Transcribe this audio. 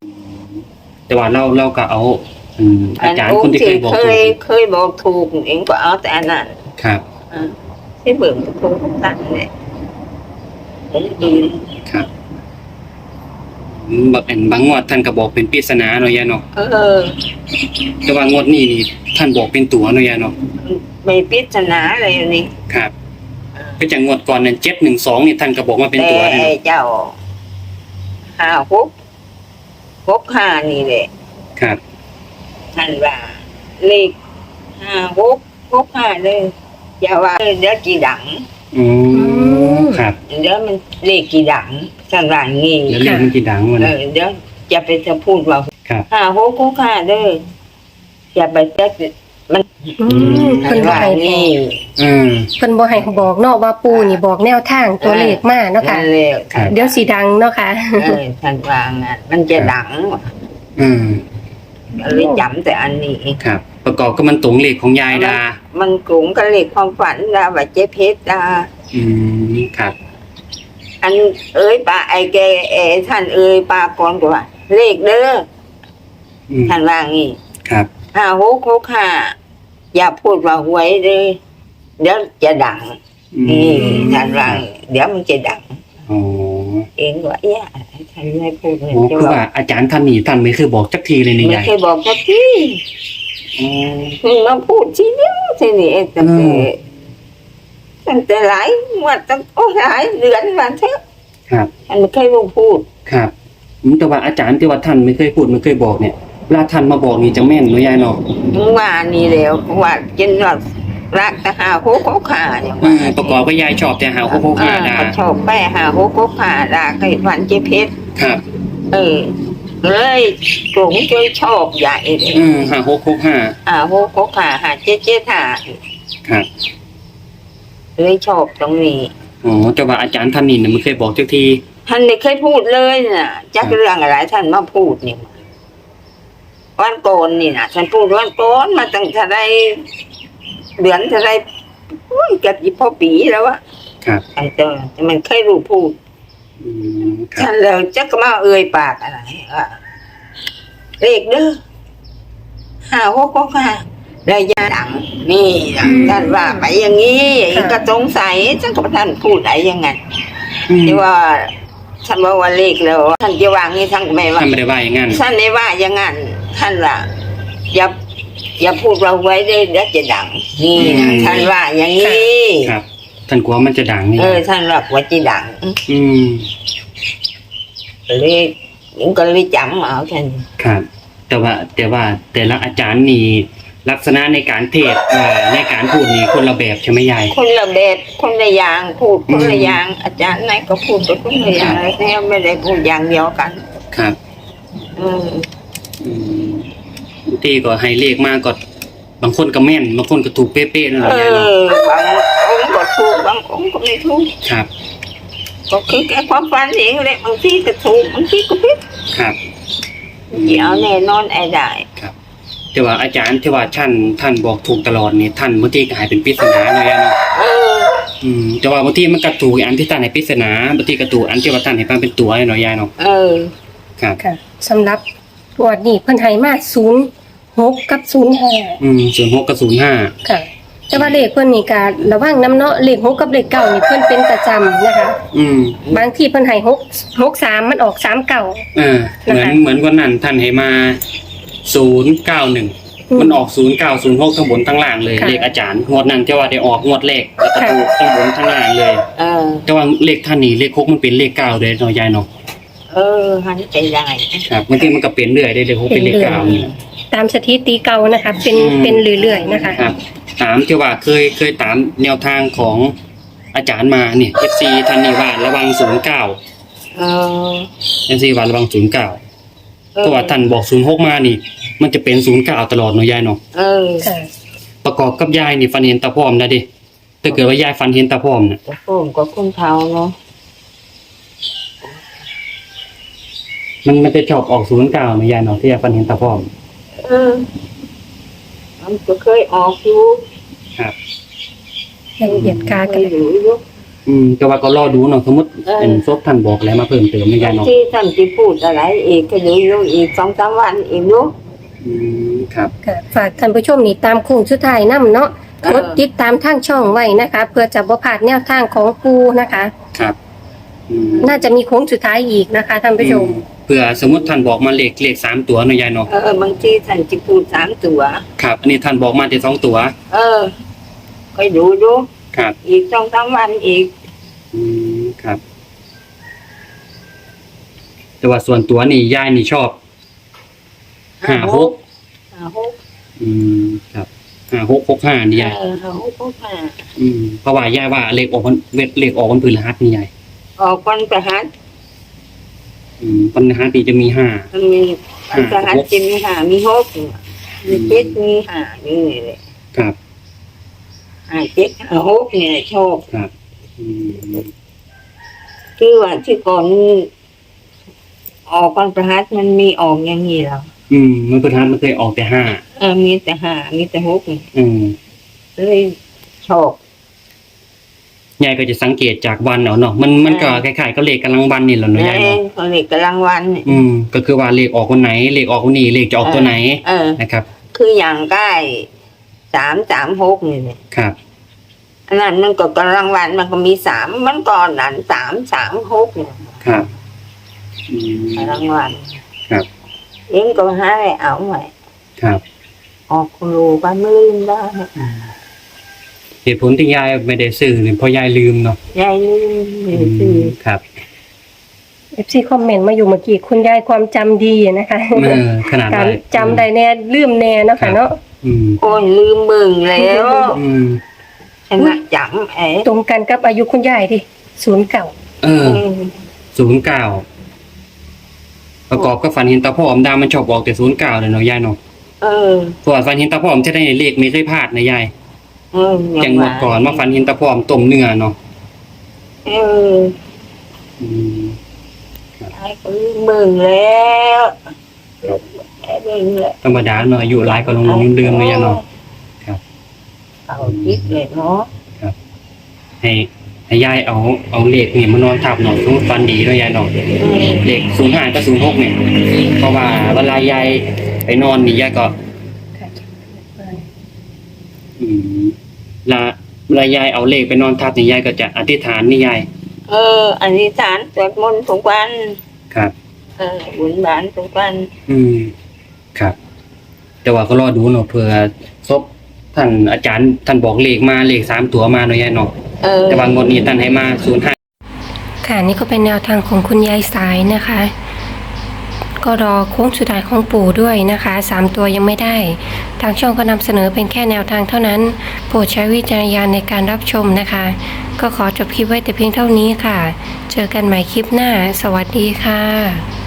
แต่ว่าเราก็เอาอาจารย์คนที่เคยบอกถูกเคยบอกถูกเองก็เอาแต่อันนั้นครับที่เบิ่งถูกตั้งเนี่ยครับบางงวดท่านก็บอกเป็นปริศนาเนาะยายเนาะแต่ว่างวดนี้นี่ท่านบอกเป็นตัวเนาะยายเนาะไม่ปริศนาอะไรนี่ครับก็จากงวดก่อนนั้น712นี่ท่านก็บอกว่าเป็นตัวแต่เจ้า5-6-5นี่แหละครับท่านว่าเลข5-6-6-5เลยอย่าว่าเดี๋ยวกี่ดังครับเดี๋ยวมันเลขกี่ดังท่านว่างี้เดี๋ยวเลขมันกี่ดังวะเนี่ยเดี๋ยวจะไปจะพูดว่า5-6-6-5เด้ออย่าไปจะมันเพิ่นบ่ให้นี่เพิ่นบ่ให้บอกเนาะว่าปู่นี่บอกแนวทางตัวเลขมาเนาะค่ะเดี๋ยวสิดังเนาะค่ะท่านว่างั้นมันจะดังเลยจำแต่อันนี้ครับประกอบก็มันตรงเลขของยายดามันกลุ่มกับเลขความฝันดาว่าเจ๊เพชรดาครับอันป้าไอ้แกท่านป้าก่อนกว่าเลขเด้อท่านว่างี้ครับ 5-6-6-5อย่าพูดว่าหวยเลยเดี๋ยวจะดังท่านว่าเดี๋ยวมันจะดังเองว่าท่านไม่พูดเลยคือว่าอาจารย์ท่านนี่ท่านไม่เคยบอกจักทีเลยนี่ยายไม่เคยบอกจักทีมาพูดทีเดียวทีนี้ตั้งแต่หลายวันตั้งหลายเดือนมาเถอะครับท่านไม่เคยพูดครับแต่ว่าอาจารย์ที่ว่าท่านไม่เคยพูดไม่เคยบอกเนี่ยเวลาท่านมาบอกนี่จะแม่นหรือยายเนาะว่านี่แล้วว่ากินว่ารักแต่5-6-6-5อย่างว่าประกอบก็ยายชอบแต่5-6-6-5ดาชอบแป้5-6-6-5ดาก็ฝันเจ๊เพชรครับเลยกลุ่มช่วยชอบใหญ่เลย 5-6-6-5 5-6-6-5 7-7-5 ครับเลยชอบตรงนี้แต่ว่าอาจารย์ท่านนี่ไม่เคยบอกจักทีท่านไม่เคยพูดเลยน่ะจักเรื่องอะไรท่านมาพูดนี่วันโกนนี่นะฉันพูดวันโกนมาตั้งแต่ได้เดือนแต่ได้เกือบ20 ปีแล้วอะครับแต่มันเคยรู้พูดฉันเลยจักมาปากอะไรเลขเด้อ5-6-6-5ระยะดังนี่ท่านว่าไปอย่างนี้ก็สงสัยฉันกับท่านพูดอะไรยังไงที่ว่าท่านบอกว่าเลขแล้วท่านจะวางนี่ท่านไม่ว่าท่านไม่ได้ว่าอย่างนั้นท่านไม่ว่าอย่างนั้นท่านว่าอย่าพูดเราไว้ได้เดี๋ยวจะดังนี่ท่านว่าอย่างนี้ครับท่านกลัวมันจะดังนี่ท่านว่าจะดังเลยผมก็เลยจำเอาท่านครับแต่ว่าแต่ละอาจารย์นี่ลักษณะในการเทศในการพูดนี่คนละแบบใช่ไหมยายคนละแบบคนละอย่างพูดคนละอย่างอาจารย์ไหนก็พูดไปคนละอย่างแล้วไม่ได้พูดอย่างเดียวกันครับที่ก็ให้เลขมากก็บางคนก็แม่นบางคนก็ถูกเป๊ะๆนั่นแหละยายเนาะบางองค์ก็ถูกบางองค์ก็ไม่ถูกครับก็คือแค่ความฝันเองแหละบางทีก็ถูกบางทีก็ผิดครับอย่าเอาแน่นอนได้ครับแต่ว่าอาจารย์ที่ว่าท่านบอกถูกตลอดนี่ท่านบางทีก็หายเป็นปริศนาเลยเนาะแต่ว่าบางทีมันกระตูกอันที่ท่านให้ปริศนาบางทีกระตูกอันที่ว่าท่านให้ฟังเป็นตัวให้หน่อยยายเนาะครับค่ะสำหรับตัวนี้เพิ่นให้มา06กับ05 06กับ05 ค่ะแต่ว่าเลขเพิ่นนี่ก็ระวังนำเนาะเลข6กับเลข9นี่เพิ่นเป็นประจำนะคะบางทีเพิ่นให้663มันออก39 เหมือนวันนั้นท่านให้มา091มันออก0906ทั้งบนทั้งล่างเลยเลขอาจารย์งวดนั้นที่ว่าได้ออกงวดเลขแล้วก็ถูกทั้งบนทั้งล่างเลยแต่ว่าเลขท่านนี่เลข6มันเป็นเลข9เลยเนาะยายเนาะหันใจได้ครับบางทีมันก็เป็นเรื่อยได้เลข6เป็นเลข9นี่ตามสถิติเก่านะคะเป็นเรื่อยๆนะคะครับตามที่ว่าเคยตามแนวทางของอาจารย์มาเนี่ย FC ท่านนี่ว่าระวัง09FC ว่าระวัง09เพราะว่าท่านบอก06มานี่มันจะเป็น09ตลอดเนาะยายเนาะประกอบกับยายนี่ฟันเห็นตาพร้อมนะดิถ้าเกิดว่ายายฟันเห็นตาพร้อมน่ะตาพร้อมก็คนเฒ่าเนาะมันจะชอบออก09เนาะยายเนาะที่ยายฟันเห็นตาพร้อมมันก็เคยออกอยู่ครับเหตุการณ์กันอยู่แต่ว่าก็รอดูเนาะสมมติเป็นซบท่านบอกอะไรมาเพิ่มเติมในยายเนาะที่ท่านที่พูดอะไรอีกก็เดี๋ยวอีก2-3 วันอีกดูครับค่ะฝากท่านผู้ชมนี่ตามโค้งสุดท้ายนํเนาะกดติดตามทางช่องไว้นะคะ เพื่อจะบ่พลาดแนวทางของปูนะคะครับน่าจะมีโค้งสุดท้ายอีกนะคะท่านผู้ชมเผื่อสมมติท่านบอกมาเลข3ตัวเนาะยายเนาะบางทีท่านจะพูด3 ตัวครับอันนี้ท่านบอกมาแต่2 ตัวค่อยดูดูครับอีก2-3 วันอีกครับ แต่ว่าส่วนตัวนี่ยายนี่ชอบ56 56 ครับ5665นี่ยาย 5665 เพราะว่ายายว่าเลขออกวันพฤหัสนี่ยายออกวันประหัสวันพฤหัสนี่จะมี5 มันมีวันประหัสจะมี5มี6มี7มี5นี่เลยครับ 5 7 5 6นี่ชอบครับคือว่าที่ก่อนออกวันประหัสมันมีออกอย่างนี้แล้วมันพฤหัสมันเคยออกแต่5 มีแต่5มีแต่6นี่ เลยชอบยายก็จะสังเกตจากวันเอาเนาะมันก็คล้ายๆก็เลขกำลังวันนี่แหละเนาะยายเนาะเขาเรียกกำลังวันนี่ก็คือว่าเลขออกวันไหนเลขออกวันนี้เลขจะออกตัวไหนนะครับคืออย่างใกล้336นี่เนี่ยครับอันนั้นมันก็กำลังวันมันก็มี3มันก่อนนั้น336เนี่ยครับกำลังวันครับเอ็งก็ให้เอาไว้ครับออกครูบ้านไม่ลืมได้เหตุผลที่ยายไม่ได้ซื้อเนี่ยเพราะยายลืมเนาะยายลืมไม่ได้ซื้อครับ FC คอมเมนต์มาอยู่เมื่อกี้คุณยายความจำดีนะคะขนาดการจำได้แน่ลืมแน่เนาะค่ะเนาะโอ้ยลืมมึงแล้ว ชนะจำตรงกันกับอายุคุณยายดิ09 09ประกอบกับฝันเห็นตาพ่ออมดามันชอบบอกแต่09เลยเนาะยายเนาะเพราะว่าฝันเห็นตาพ่ออมจะได้เลขไม่เคยพลาดนะยายอย่างเมื่อก่อนมาฝันเห็นตาพ่ออมต้มเนื้อเนาะไอ้ก็ลืมมึงแล้วลืมแล้วธรรมดาเนาะอายุหลายก็ลงลืมเลยยายเนาะครับเอาคิดเลยเนาะครับให้ยายเอาเลขนี่มานอนทับเนาะสมมุติฝันดีเนาะยายเนาะเลข05กับ06เนี่ยเพราะว่าเวลายายไปนอนนี่ยายก็เวลายายเอาเลขไปนอนทับนี่ยายก็จะอธิษฐานนี่ยายอันนี้ฐานสวดมนต์ทุกวันครับบุญบานทุกวันครับ แต่ว่าก็รอดูเนาะเผื่อซบท่านอาจารย์ท่านบอกเลขมาเลข3 ตัวมาเนาะยายเนาะแต่ว่างวดนี้ท่านให้มา05 ค่ะนี่ก็เป็นแนวทางของคุณยายสายนะคะ ก็รอโค้งสุดท้ายของปู่ด้วยนะคะ3 ตัวยังไม่ได้ทางช่องก็นำเสนอเป็นแค่แนวทางเท่านั้นโปรดใช้วิจารณญาณในการรับชมนะคะ ก็ขอจบคลิปไว้แต่เพียงเท่านี้ค่ะ เจอกันใหม่คลิปหน้าสวัสดีค่ะ